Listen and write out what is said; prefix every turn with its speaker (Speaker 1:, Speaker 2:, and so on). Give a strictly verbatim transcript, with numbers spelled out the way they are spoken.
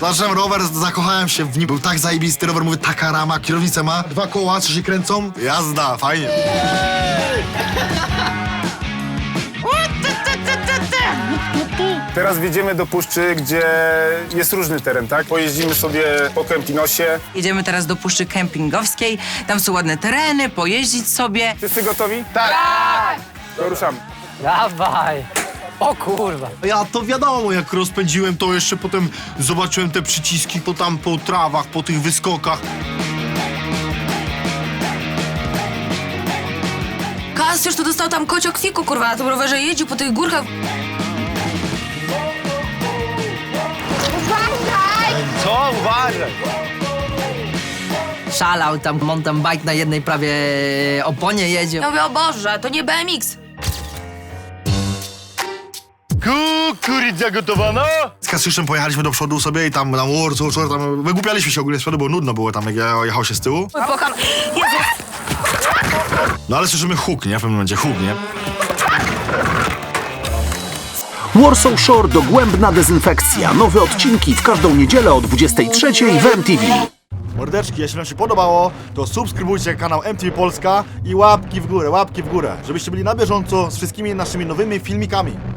Speaker 1: Zobaczyłem rower, zakochałem się w nim. Był tak zajebisty rower, mówię, taka rama, kierownicę ma, dwa koła, co się kręcą. Jazda, fajnie.
Speaker 2: Teraz wjedziemy do puszczy, gdzie jest różny teren, tak? Pojeździmy sobie po Kempinosie.
Speaker 3: Jedziemy teraz do Puszczy Kempingowskiej. Tam są ładne tereny, pojeździć sobie.
Speaker 2: Wszyscy gotowi? Tak! To ruszamy.
Speaker 4: Dawaj! O kurwa!
Speaker 5: Ja to wiadomo, jak rozpędziłem, to jeszcze potem zobaczyłem te przyciski po tam, po trawach, po tych wyskokach.
Speaker 6: Kasiusz tu dostał tam kociokwiku, kurwa, na tym rowerze jeździł po tych górkach.
Speaker 4: Co? Uważaj!
Speaker 3: Szalał tam mountain bike na jednej prawie oponie jedzie.
Speaker 6: Ja mówię, o Boże, to nie B M X.
Speaker 4: Kukurydza gotowana?
Speaker 1: Z Kasiuszem pojechaliśmy do przodu sobie i tam na Warsaw, Warsaw, tam wygłupialiśmy się ogólnie z przodu, bo nudno było tam, jak ja jechał się z tyłu.
Speaker 6: Popcham. Jezus!
Speaker 1: No ale słyszymy huk, nie? W pewnym momencie huk, nie?
Speaker 7: Warsaw Shore dogłębna dezynfekcja. Nowe odcinki w każdą niedzielę o dwudziestej trzeciej w M T V.
Speaker 1: Mordeczki, jeśli wam się podobało, to subskrybujcie kanał M T V Polska i łapki w górę, łapki w górę, żebyście byli na bieżąco z wszystkimi naszymi nowymi filmikami.